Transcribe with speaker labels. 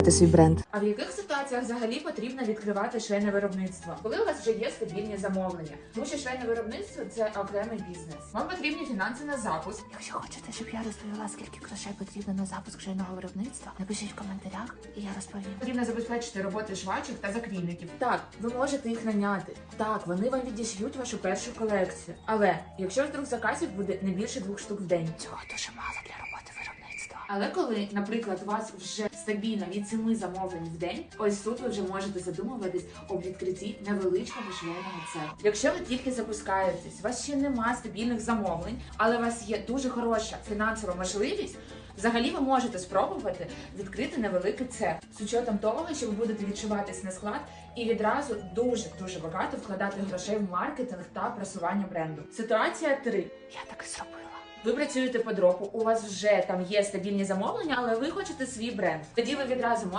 Speaker 1: свій бренд.
Speaker 2: А в яких ситуаціях взагалі потрібно відкривати швейне виробництво? Коли у вас вже є стабільні замовлення, тому що швейне виробництво це окремий бізнес. Вам потрібні фінанси на запуск.
Speaker 1: Якщо хочете, щоб я розповіла, скільки грошей потрібно на запуск швейного виробництва, напишіть в коментарях, і я розповім.
Speaker 2: Потрібно забезпечити роботи швачок та закрійників. Так, ви можете їх наняти. Так, вони вам відіш'ють вашу першу колекцію. Але якщо вдруг заказів буде не більше 2 штук в день.
Speaker 1: Цього дуже мало для роботи виробництва.
Speaker 2: Але коли, наприклад, у вас вже стабільно від 7 замовлень в день, ось тут ви вже можете задумуватись об відкритті невеличкого швейного цеху. Якщо ви тільки запускаєтесь, у вас ще нема стабільних замовлень, але у вас є дуже хороша фінансова можливість, взагалі ви можете спробувати відкрити невеликий цех з учетом того, що ви будете відчуватись на склад і відразу дуже багато вкладати грошей в маркетинг та просування бренду. Ситуація 3.
Speaker 1: Я так і зробила.
Speaker 2: Ви працюєте по дропу, у вас вже там є стабільні замовлення, але ви хочете свій бренд. Тоді ви відразу